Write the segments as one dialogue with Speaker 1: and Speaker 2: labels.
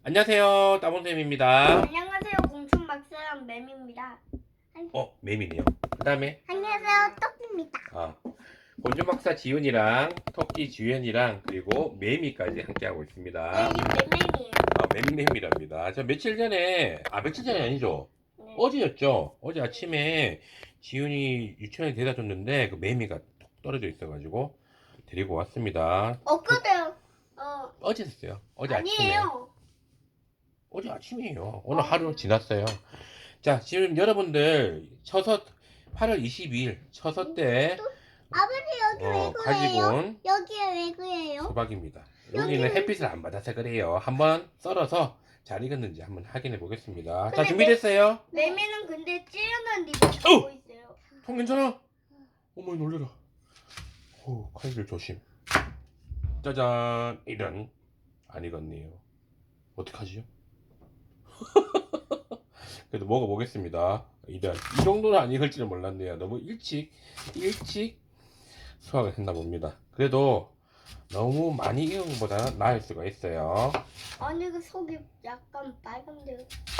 Speaker 1: 안녕하세요, 따봉쌤입니다.
Speaker 2: 안녕하세요. 공춘 박사랑 맴입니다.
Speaker 1: 매미네요. 그 다음에,
Speaker 2: 안녕하세요. 떡입니다.
Speaker 1: 곤충박사 지훈이랑, 토끼 주연이랑, 그리고 매미까지 함께하고
Speaker 2: 네,
Speaker 1: 있습니다.
Speaker 2: 이 맴맴이에요.
Speaker 1: 맴매미랍니다. 저 며칠 전이 아니죠?
Speaker 2: 네.
Speaker 1: 어제였죠? 어제 아침에 지훈이 유치원에 데려다 줬는데, 그 매미가 톡 떨어져 있어가지고, 데리고 왔습니다.
Speaker 2: 엊그제요.
Speaker 1: 어제 했어요. 어제 아침에.
Speaker 2: 아니에요.
Speaker 1: 어제 아침이에요. 오늘 하루 지났어요. 자, 지금 여러분들 8월 22일 처서 때
Speaker 2: 아버지 여기 왜
Speaker 1: 가지고
Speaker 2: 그래요?
Speaker 1: 온
Speaker 2: 여기에 왜 그래요?
Speaker 1: 수박입니다. 여기는 햇빛을 안 받아서 그래요. 한번 썰어서 잘 익었는지 한번 확인해 보겠습니다. 자,
Speaker 2: 근데
Speaker 1: 준비됐어요?
Speaker 2: 맴이는 근데 찌르는 입을 갖고 있어요.
Speaker 1: 통 괜찮아? 어머, 놀래라. 칼질 조심. 짜잔. 이런. 안 익었네요. 어떡하지요? 그래도 먹어보겠습니다. 이런. 이 정도는 안 익을지는 몰랐네요. 너무 일찍 수확을 했나 봅니다. 그래도 너무 많이 익은 것보다는 나을 수가 있어요.
Speaker 2: 아니 그 속이 약간 빨간데요.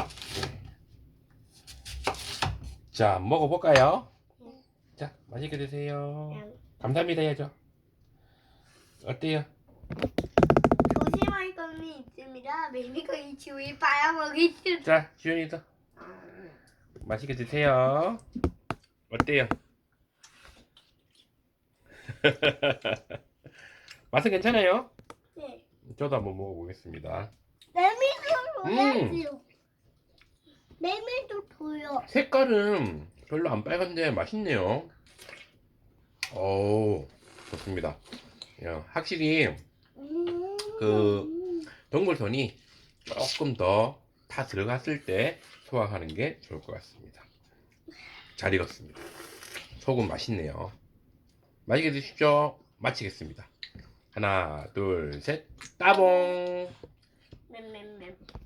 Speaker 1: 자, 먹어볼까요?
Speaker 2: 네.
Speaker 1: 자, 맛있게 드세요.
Speaker 2: 그냥
Speaker 1: 감사합니다 해야죠. 어때요?
Speaker 2: 조심할 점이 있습니다. 맴이가 이 주위 빨아먹이지.
Speaker 1: 자, 지훈이도 맛있게 드세요. 어때요? 맛은 괜찮아요?
Speaker 2: 네.
Speaker 1: 저도 한번 먹어보겠습니다.
Speaker 2: 맴이도 줘야지요. 맴이도 줘요.
Speaker 1: 색깔은 별로 안 빨간데 맛있네요. 오, 좋습니다. 야, 확실히 그 동물손이 조금 더 다 들어갔을 때 소화하는 게 좋을 것 같습니다. 잘 익었습니다. 속은 맛있네요. 맛있게 드십시오. 마치겠습니다. 하나, 둘, 셋, 따봉!
Speaker 2: 맴맴맴.